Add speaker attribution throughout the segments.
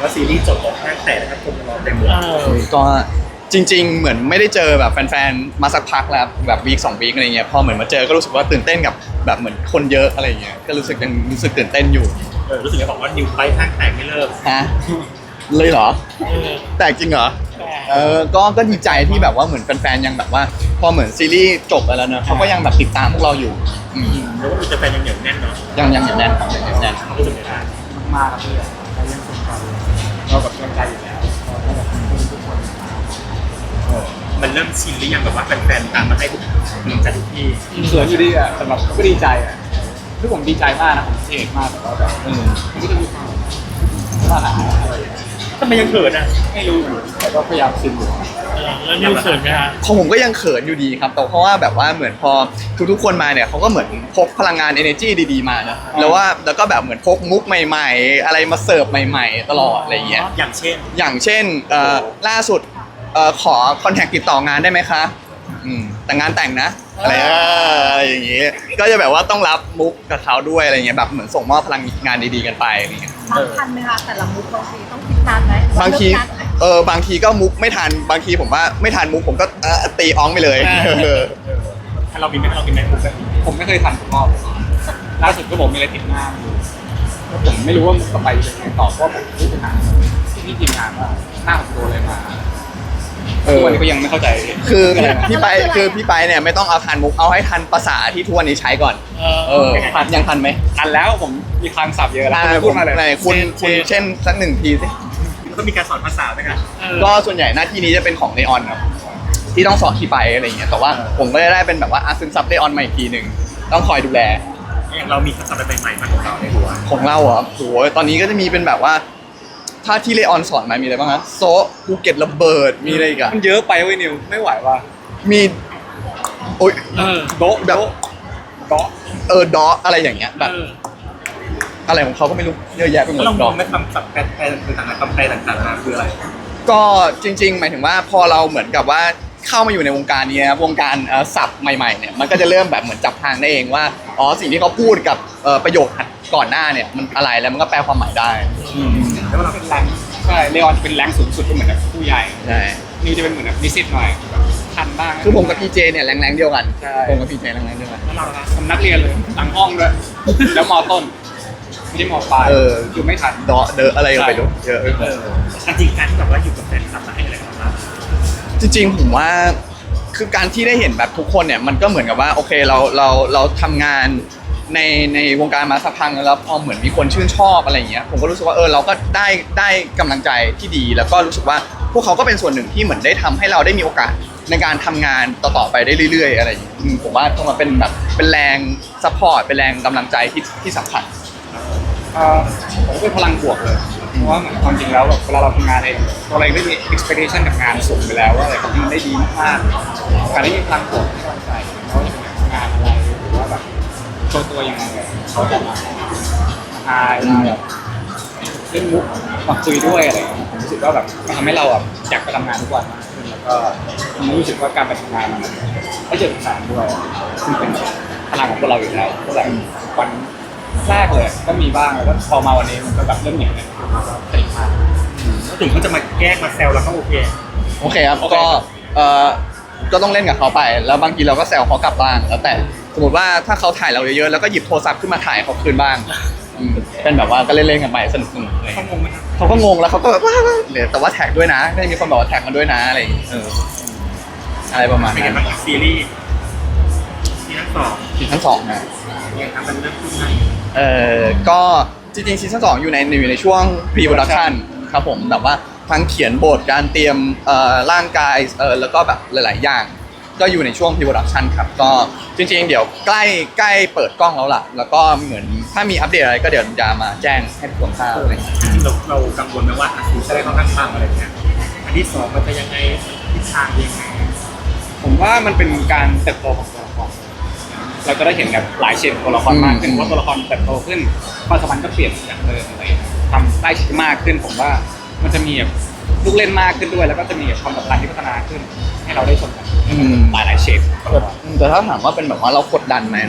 Speaker 1: ว่าซีรีส์จบแล้วห้างแตกนะครับคนมารอเต็มเลย
Speaker 2: ก็จริงๆเหมือนไม่ได้เจอแบบแฟนๆมาสักพักแล้วแบบวีค2 วีคอะไรเงี้ยพอเหมือนมาเจอก็รู้สึกว่าตื่นเต้นกับแบบเหมือนคนเยอะอะไรเงี้ยก็รู้สึกตื่นเต้นอยู่
Speaker 1: รู้สึกจะบอกว่านิวไปห้างแตกไม่เลิก
Speaker 2: ฮะเลยเหรอแตกจริงเหรอก็ดีใจที่แบบว่าเหมือนแฟนๆยังแบบว่าพอเหมือนซีรีส์จบไปแล้วเนอะเขาก็ยังแบบติดตามพวกเราอยู่
Speaker 1: แล้วก็มีแฟนยังเหนียวแน่นเนาะ
Speaker 2: ยังอย่างแน่นครับอย่างแน่น
Speaker 1: เขารู้สึกยังไง
Speaker 3: มากครับพี่เรายังสนใจเราแบบสนใจอยู่แล้วทุกคน
Speaker 1: มันเริ่มชินหรือยังแบบว่าแฟนๆตามมาให้ทุกจากทุกที่
Speaker 3: เขินอยู่ดีอ่ะแต่แบบก็ดีใจอ่ะคือผมดีใจมากนะผมเท่มากแต่ว่าแบบมันก็จะมีความว่าหาอะไร
Speaker 1: ทำไมยังเขินอ่ะ
Speaker 3: ไม่รู้แต่ก็พยายามชินอยู่
Speaker 1: แล้วนิวเขินไหมฮะ
Speaker 2: ของผมก็ยังเขินอยู่ดีครับแต่เพราะว่าแบบว่าเหมือนพอทุกคนมาเนี่ยเขาก็เหมือนพกพลังงาน energy ดีๆมานะแล้วก็แบบเหมือนพกมุกใหม่ๆอะไรมาเสิร์ฟใหม่ๆตลอดอะไรอย่างเงี้ย
Speaker 1: อย่างเช่น
Speaker 2: ล่าสุดขอคอนแทคติดต่องานได้ไหมคะแต่งานแต่งนะอะไรอย่างงี้ก็จะแบบว่าต้องรับมุกกับเขาด้วยอะไรเงี้ยแบบเหมือนส่งมอบพลังงานดีๆกันไปอะไรเงี้ย
Speaker 4: ทันไหมคะแต่ละมุกบางทีต้องคิดนานไหม
Speaker 2: บางทีก็มุกไม่ทันบางทีผมว่าไม่ทันมุกผมก็ตีอ้องไปเลย
Speaker 1: ถ้าเราบินไม่มุกแบบนี้
Speaker 3: ผมไม่เคยทันผมรอบล่าสุดก็บอกมีอะไรติดหน้าผมไม่รู้ว่าต่อไปจะยังไงต่อเพราะผมรู้ปัญหาที่ทีมงานว่าหน้าผมโดนอะไรมาวันนี้ก็ยังไม่เข้าใจ
Speaker 2: คือพี่ไปเนี่ยไม่ต้องเอาทันมุกเอาให้ทันภาษาที่ทุกวันนี้ใช้ก่อนยังทันไหม
Speaker 3: ทันแล้วผมมีคำศัพท์เยอะแล้วพูดมาเลย
Speaker 2: คุณเช่นสัก1 ทีสิ
Speaker 1: ก็มีการสอนภาษาไหมครับ
Speaker 2: ก็ส่วนใหญ่หน้าที่นี้จะเป็นของเลออนครับที่ต้องสอนที่ไปอะไรอย่างเงี้ยแต่ว่าผมก็ได้เป็นแบบว่าซึมซับเลออนมาอีกทีนึงต้องคอยดูแล
Speaker 1: อย่างเรามีคำศัพท์ใหม่ๆมาของเราในหัว
Speaker 2: ของเราเหรอโหตอนนี้ก็จะมีเป็นแบบว่าถ้าที่เลออนสอนมามีอะไรบ้างฮะโซภูเก็ตระเบิดมีอะไรอีกอะ
Speaker 3: มันเยอะไปเว้ยนิวไม่ไหวว่ะ
Speaker 2: มีโอ๊ย
Speaker 3: โดแบบ
Speaker 2: ดออะไรอย่างเงี้ยแบบอะไรของเขาก็ไม่รู้เยอะแยะไปหมด
Speaker 1: ดอกไม่คำศัพท์แปลต่างๆคำแปลต่างๆมาคืออะไร
Speaker 2: ก็จริงๆหมายถึงว่าพอเราเหมือนกับว่าเข้ามาอยู่ในวงการนี้นะวงการศัพท์ใหม่ๆเนี่ยมันก็จะเริ่มแบบเหมือนจับทางได้เองว่าสิ่งที่เขาพูดกับประโยคก่อนหน้าเนี่ยมันอะไรแล้วมันก็แปลความหมายได้
Speaker 3: แล้วเราเป็นแรงใช่เลออนเป็นแรงสูงสุดก็เหมือนแบบผู้ใหญ่
Speaker 2: ใช่
Speaker 3: นิวจะเป็นเหมือนแบบนิสิตหน่อยทันบ้าง
Speaker 2: คือผมกับพีเจเนี่ยแรงเดียวกันผมกับพีเจแรงเดียวกัน
Speaker 3: แล้วเราผมนักเรียนเลยหลังห้องด้วยแล้วม.ต้นไม่ใช่ม.ปลายอยู่ไม่ทัน
Speaker 2: เดอะอะไรไปดูเยอะ
Speaker 1: จริงการที่แบบว่าอยู่กับแฟนคลับมาให้อะไรกันบ้าง
Speaker 2: จริงๆผมว่าคือการที่ได้เห็นแบบทุกคนเนี่ยมันก็เหมือนกับว่าโอเคเราทำงานในวงการมาสักพักแล้วพอเหมือนมีคนชื่นชอบอะไรอย่างเงี้ยผมก็รู้สึกว่าเราก็ได้กำลังใจที่ดีแล้วก็รู้สึกว่าพวกเขาก็เป็นส่วนหนึ่งที่เหมือนได้ทำให้เราได้มีโอกาสในการทำงานต่อไปได้เรื่อยๆอะไรอย่างเงี้ยผมว่าต้องมาเป็นแบบเป็นแรงซัพพอร์ตเป็นแรงกำลังใจที่สำคัญ
Speaker 3: ผมเป็นพลังบวกเลยเพราะว่าเหมือนความจริงแล้วแบบเวลาเราทำงานเองตัวเราก็มี expectation กับงานสูงไปแล้วว่าอะไรเขาทำได้ดีมากๆการได้มีพลังบวกให้กำลังใจเขาจะทำงานอะไรหรือว่าแบบโชว์ตัวยังไงเขาจะมาทายมาแบบเล่นมุกมาคุยด้วยอะไรผมรู้สึกว่าแบบมันทำให้เราแบบอยากไปทำงานทุกวันมากขึ้นแล้วก็ผมรู้สึกว่าการไปทำงานมันได้เจอแฟนด้วยซึ่งเป็นพลังของพวกเราอยู่แล้วก็แบบวันแรกเลยก็มีบ้างแล้วก็พอมาวันนี้มันก็แบบเริ่มเหนียวเนี่ยติดมาก
Speaker 1: แล้วถึงเขาจะมาแก้มาแซวเราก็โอเค
Speaker 2: ครับก็ต้องเล่นกับเขาไปแล้วบางทีเราก็แซวเขากลับบ้างแล้วแต่สมมติว่าถ้าเขาถ่ายเราเยอะๆแล้วก็หยิบโทรศัพท์ขึ้นมาถ่ายเขาคืนบ้างเป็นแบบว่าก็เล่นๆกันไปสนุกๆเลย
Speaker 1: เขางงไหม
Speaker 2: เขาก็งงแล้วเขาก็แบบว่าแต่ว่าแท็กด้วยนะได้มีคนบอกว่าแท็กมันด้วยนะอะไรอะไรประมาณนั้น
Speaker 1: ซีรีส์ซี
Speaker 2: ซั่น 2นะ
Speaker 1: ยังทำเป็นเรื่องขึ้นไหม
Speaker 2: ก็จริงๆซีซั่น 2อยู่ในช่วง pre-production ครับผมแบบว่าทั้งเขียนบทการเตรียมร่างกายแล้วก็แบบหลายๆอย่างก็อยู่ในช่วง pre-production ครับก็จริงๆเดี๋ยวใกล้เปิดกล้องแล้วล่ะแล้วก็เหมือนถ้ามีอัปเดตอะไรก็เดี๋ยวจะมาแจ้งให้ทุกคนทราบอะไรอย่างเงี้ย
Speaker 1: เรากังวลไหมว่าซีจะได้เข้าข้างอะไรเงี้ยอันที่2มันจะยังไงทิศทางยังไง
Speaker 3: ผมว่ามันเป็นการเติบโตของตัวละครเราจะได้เห็นแบบหลายเฉดตัวละครมากขึ้นเพราะตัวละครเติบโตขึ้นความสัมพันธ์ก็เปลี่ยนจากเดิมอะไรทำได้ชิดมากขึ้นผมว่ามันจะมีแบบลูกเล่นมากขึ้นด้วยแล้วก็จะมีความสัมพันธ์ที่พัฒนาขึ้นให้เราได้ชมกันหลายเฉด
Speaker 2: แต่ถ้าถามว่าเป็นแบบว่าเรากดดันไหมเนาะ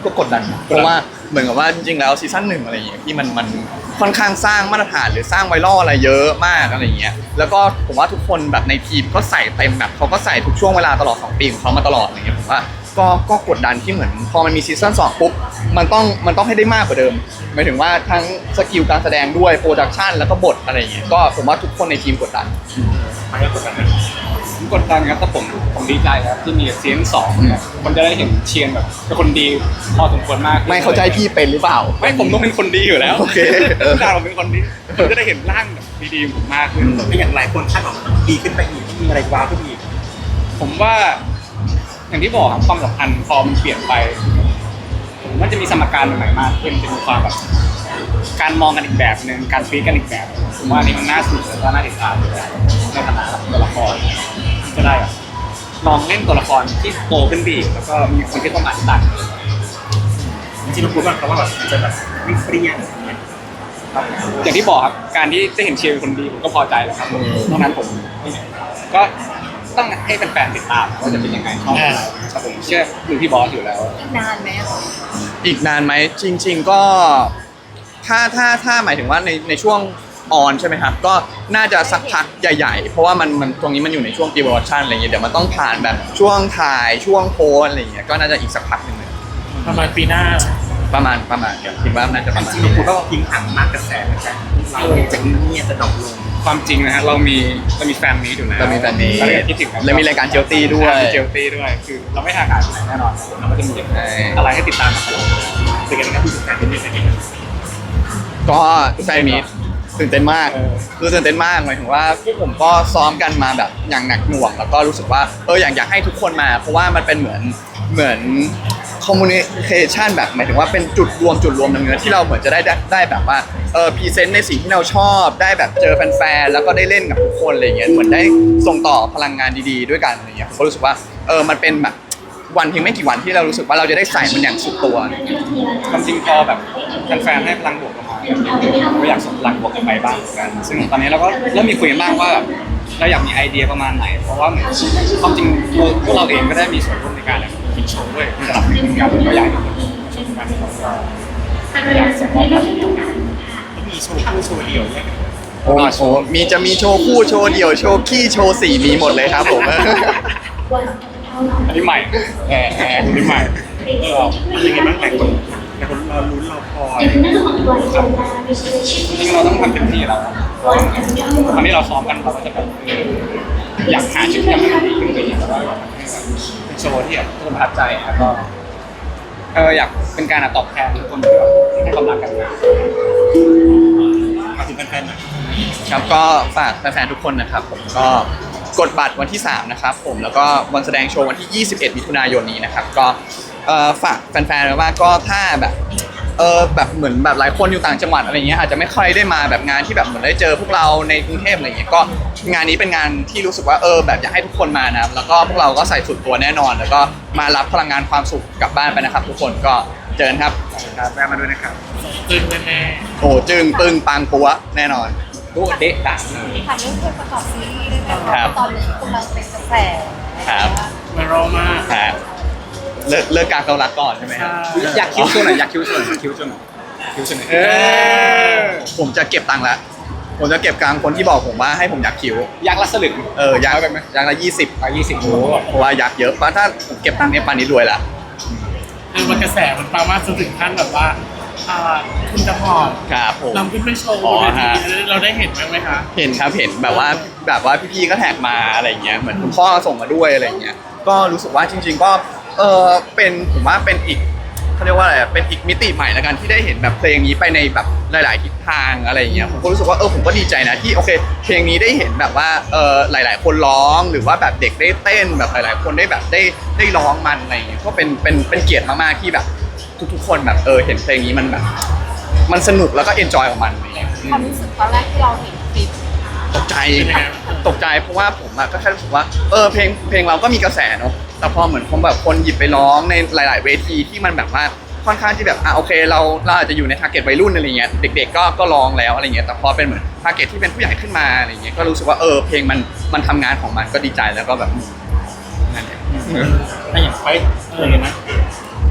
Speaker 2: ก็กดดันเพราะว่าเหมือนกับว่าจริงๆแล้วซีซั่น 1อะไรอย่างเงี้ยที่มันค่อนข้างสร้างมาตรฐานหรือสร้างไวรัลอะไรเยอะมากอะไรอย่างเงี้ยแล้วก็ผมว่าทุกคนแบบในทีมก็ใส่เต็มแบบเขาก็ใส่ทุกช่วงเวลาตลอด2 ปีของเขามาตลอดอะไรอย่างเงี้ยผมว่าก็กดดันที่เหมือนพอมันมีซีซั่น2ปุ๊บมันต้องให้ได้มากกว่าเดิมหมายถึงว่าทั้งสกิลการแสดงด้วยโปรดักชันแล้วก็บทอะไรอย่างเงี้ยก็ผมว่าทุกคนในทีมกดดัน
Speaker 1: มันก็กดดันนะ
Speaker 3: ผมกดดันครับแต่ผมดีใจครับที่มีซีซั่น2เนี่ยคนจะได้เห็นเชียนแบบเป็นคนดีพอสมควรมาก
Speaker 2: ไม่เข้าใจพี่เป็นหรือเปล่า
Speaker 3: ไม่ผมต้องเป็นคนดีอยู่แล้ว
Speaker 2: โอเค
Speaker 3: ทุกอย่างผมเป็นคนดีผมจะได้เห็นร่างแบบดีๆของผมมากขึ้น
Speaker 1: ไม่อย่างหลายคนคาดหวังมันดีขึ้นไปอีกมีอะไรว้าวขึ้นอีก
Speaker 3: ผมว่าอย่างที่บอกครับความสัมพันธ์พอมันเปลี่ยนไปผมว่าจะมีสมการใหม่ๆมากขึ้นจะมีความแบบการมองกันอีกแบบหนึ่งการฟีดกันอีกแบบผมว่าอันนี้มันน่าสนุกและก็น่าติดตามในฐานะตัวละครจะได้แบบลองเล่นตัวละครที่โตขึ้นไปอีกแล้วก็มีคนที่ต้องอ่านต่าง
Speaker 1: จริงๆเราพูดว่าเขาว่าแบบจะแบบไม่เปรี้ยงอย่างเงี้ย
Speaker 3: ครับอย่างที่บอกครับการที่ได้เห็นเชียร์เป็นคนดีผมก็พอใจแล้วครับนอกนั้นผมก็ต้องให้แฟนๆติดตามว่าจะเป็นยังไงชอบอะไรครับผมเชื่อดูพี่บอสอยู่แล้ว
Speaker 4: อีกนานไหมอะ
Speaker 2: อีกนานไหมจริง ๆก็ถ้าหมายถึงว่าในช่วงออนใช่ไหมครับก็น่าจะสักพักใหญ่ๆ เพราะว่ามันตรงนี้มันอยู่ในช่วงพรีโปรดักชันอะไรเงี้ยเดี๋ยวมันต้องผ่านแบบช่วงถ่ายช่วงโพสอะไรเงี้ยก็น่าจะอีกสักพักหนึ่งเลย
Speaker 1: ประมาณปีหน้า
Speaker 2: ประมาณคิดว่าน่าจะประมาณ
Speaker 1: จริงๆคุณก็ทิ้งห่างมากกระแสเหมือนกันเราจะเงียบจะดรอปลง
Speaker 3: ความจริงนะฮะเรามีแฟนมีอยู่แล้ว
Speaker 2: เรามีแฟนมีต
Speaker 3: เราคิดถึงกัน
Speaker 2: แล้วมีรายการเจลตี้ด้วย
Speaker 3: มีเจลตี้ด้วยคือเราไม่ห่างหายไปไหนแน่นอนเราก็จะมี
Speaker 2: ใช่
Speaker 3: อะไรให้ติดตามกันตลอด
Speaker 1: เป็นกันนะครับที่สุดท้ายเป็นยังไง
Speaker 2: ก็แฟนมีตตื่นเต้นมากคือตื่นเต้นมากหมายถึงว่าพวกผมก็ซ้อมกันมาแบบอย่างหนักหน่วงแล้วก็รู้สึกว่าอยากให้ทุกคนมาเพราะว่ามันเป็นเหมือนคอมมูนิเคชันแบบหมายถึงว่าเป็นจุดรวมในเนื้อที่เราเหมือนจะได้แบบว่าพรีเซนต์ในสิ่งที่เราชอบได้แบบเจอแฟนๆแล้วก็ได้เล่นกับทุกคนอะไรเงี้ยเหมือนได้ส่งต่อพลังงานดีๆด้วยกันอะไรเงี้ยผมก็รู้สึกว่ามันเป็นแบบวันเพียงไม่กี่วันที่เรารู้สึกว่าเราจะได้ใส่มันอย่างสุดตัว
Speaker 3: ความจริงพอแบบแฟนๆให้พลังบวกออกมาก็อยากส่งพลังบวกกลับไปบ้างเหมือนกันซึ่งตอนนี้เราก็เริ่มมีคุยกันบ้างว่าเราอยากมีไอเดียประมาณไหนเพราะว่าเหมือนความจริงพวกเราเองก็ได้มีส่วนร่วมในการคิดโชว์ด้วยสำหรับเหมือนกันก็อยากให้ทุกคนชมกันแล้วก็อยากส่งมอบพลัง
Speaker 1: มีโชว์คู่โชว์เดี่ยวเนี่ย
Speaker 2: โอ้โหจะมีโชว์คู่โชว์เดี่ยวโชว์ขี้โชว์สีมีหมดเลยครับผม
Speaker 3: อันนี้ใหม่อันนี้ใหม่
Speaker 1: เป็นยังไงบ้างหลายคนรอลุ้นรอคอย
Speaker 3: จริงเราต้องทำเต็มที่แล้วตอนนี้เราซ้อมกันเราก็จะแบบอยากหาชุดที่มันดีขึ้นไปอีกแล้วก็เป็นโชว์ที่แบบทุกคนประทับใจแล้วก็อยากเป็นการตอบแทนทุกคนที่แบบให้ความรักกันมา
Speaker 1: มาถึงแฟนๆหน่อย
Speaker 2: ครับก็ฝากแฟนๆทุกคนนะครับผมก็กดบัตรวันที่3นะครับผมแล้วก็วันแสดงโชว์วันที่21มิถุนายนนี้นะครับก็ฝากแฟนๆไว้ว่าก็ถ้าแบบแบบเหมือนแบบหลายคนอยู่ต่างจังหวัดอะไรเงี้ยอาจจะไม่ค่อยได้มาแบบงานที่แบบเหมือนได้เจอพวกเราในกรุงเทพอะไรเงี้ยก็งานนี้เป็นงานที่รู้สึกว่าแบบอยากให้ทุกคนมานะครับแล้วก็พวกเราก็ใส่สุดตัวแน่นอน แล้วก็มารับพลังงานความสุขกลับบ้านไปนะครับทุกคนก็เจอกันครับ
Speaker 3: แวะมาด้วยนะครับ
Speaker 1: ตึงแน่
Speaker 2: โอ้จึงปึ้งปังปัวแน่นอน
Speaker 3: ดูเด็กดัง
Speaker 4: ถามเรื่องเพลงประกอบซีรีส์ได้ไหม
Speaker 2: ครั
Speaker 4: คะ
Speaker 2: บ
Speaker 4: ตอนนี้กำลังเป็นกระแส
Speaker 2: ครับ
Speaker 1: ๆไวรัลมาก
Speaker 2: ครับเลิกการเกาลัดก่อนใช่ไหมครับ
Speaker 3: อยากคิ้วโชว์หน่อยอยากคิ้วโชว์หน่อยคิ้วโชว์หน่อยคิ้วโชว์หน่อย
Speaker 2: ผมจะเก็บตังค์แล้วผมจะเก็บกลางคนที่บอกผมว่าให้ผมอยากคิ้ว
Speaker 3: ยักษ์ละสลึง
Speaker 2: ยักษ์
Speaker 3: ไปไหม
Speaker 2: ยักษ์ละ20
Speaker 3: 20โอ้
Speaker 2: เพราะว่ายักษ์เยอะเพราะถ้าผมเก็บตังค์เนี่ยปานนี้รวยละ
Speaker 1: คือมันกระแสมันปังมากจนถึงขั้นแบบว่าคุณจะพอด
Speaker 2: ครับผม
Speaker 1: นำขึ้นไปโชว์
Speaker 2: อ๋
Speaker 1: บ
Speaker 2: อน
Speaker 1: เว
Speaker 2: ฮะ
Speaker 1: ทีเราได้เห็นไหมคะ
Speaker 2: เห็นครับเห็นแบบว่าพี่ๆก็แท็กมาอะไรเงี้ยเหมือนคุณพ่อส่งมาด้วยอะไรเงี้ยก็รู้สึกว่าจริง ๆก็เป็นผมว่าเป็นอีกเขาเรียกว่าอะไรเป็นอีกมิติใหม่ละกันที่ได้เห็นแบบเพลงนี้ไปในแบบหลายๆทิศทางอะไรเงี้ยผมก็รู้สึกว่าผมก็ดีใจนะที่โอเคเพลงนี้ได้เห็นแบบว่าหลายๆคนร้องหรือว่าแบบเด็กได้เต้นแบบหลายๆคนได้แบบได้ร้องมันอะไรเงี้ยก็เป็นเกียรติมากๆที่แบบทุกๆคนแบบเห็นเพลงนี้มันแบบมันสนุกแล้วก็เอนจอยกับมันอะไรเงี้ย
Speaker 4: ความรู้สึกตอนแรกที่เราเห็นคลิป
Speaker 2: ตกใจเพราะว่าผมอะก็แค่รู้สึกว่าเพลงเราก็มีกระแสเนาะแต่พอเหมือนแบบคนหยิบไปร้องในหลาย ๆ เวทีที่มันแบบว่าค่อนข้างที่แบบโอเคเราอาจจะอยู่ในทาร์เก็ตวัยรุ่นอะไรเงี้ยเด็ก ๆ ก็ร้องแล้วอะไรเงี้ยแต่พอเป็นเหมือนทาร์เก็ตที่เป็นผู้ใหญ่ขึ้นมาอะไรเงี้ยก็รู้สึกว่าเพลงมันทำงานของมันก็ดีใจแล้วก็แบบนั่นแหละ
Speaker 1: ถ้าอย่างไปอะไรนะ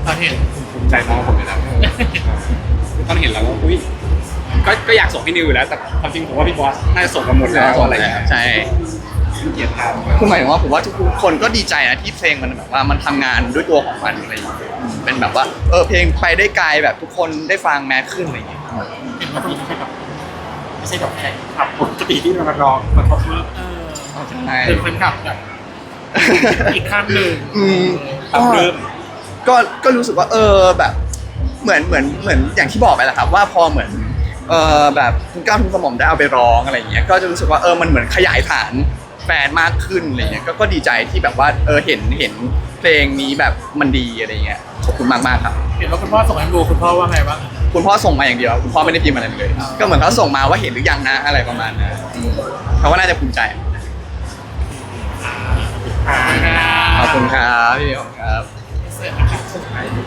Speaker 1: ตอนเห็น
Speaker 3: ภูมิใจน้องผมอยู่แล้วตอนเห็นแล้วว่าอุ้ยก็อยากส่งให้นิวอยู่แล้วแต่ความจริงผมว่าพี่บอสน่าจะส่งกันหมดแล้วอะไรอย่างเงี้ย
Speaker 2: ใช่
Speaker 3: เกียรติทาง
Speaker 2: คือหมายถึงว่าผมว่าทุกคนก็ดีใจนะที่เพลงมันแบบว่ามันทำงานด้วยตัวของมันอะไรอย่างเงี้ยเป็นแบบว่าเพลงไปได้ไกลแบบทุกคนได้ฟังแมสขึ้นอะไรอย่างเงี้ย
Speaker 1: เห็นว่าต้องไม่ใช่แบบแข่งขับปกติที่เราร้องมาท็อปนี้
Speaker 2: ใช่
Speaker 1: เป็นแฟนคลับแบบอีกขั้นหนึ่ง
Speaker 2: ก็
Speaker 1: เริ่ม
Speaker 2: ก็รู้สึกว่าแบบเหมือนอย่างที่บอกไปแหละครับว่าพอเหมือนแบบคุณก้าวคุณกระหม่อมได้เอาไปร้องอะไรอย่างเงี้ยก็จะรู้สึกว่ามันเหมือนขยายฐานแฟนมากขึ้นอะไรเงี้ยก็ดีใจที่แบบว่าเห็นเพลงนี้แบบมันดีอะไรเงี้ยขอบคุณมากๆครับ
Speaker 1: เห็นว่าคุณพ่อส่งให้ดูคุณพ่อว่าไงบ้าง
Speaker 2: คุณพ่อส่งมาอย่างเดียวคุณพ่อไม่ได้พิมพ์อะไรเลย ก็เหมือนเขาส่งมาว่าเห็นหรือยังนะอะไรประมาณนั้นเขาก็น่าจะภูมิใจขอบคุณครับพี่เดียวครับ
Speaker 1: เสร็จนะครับ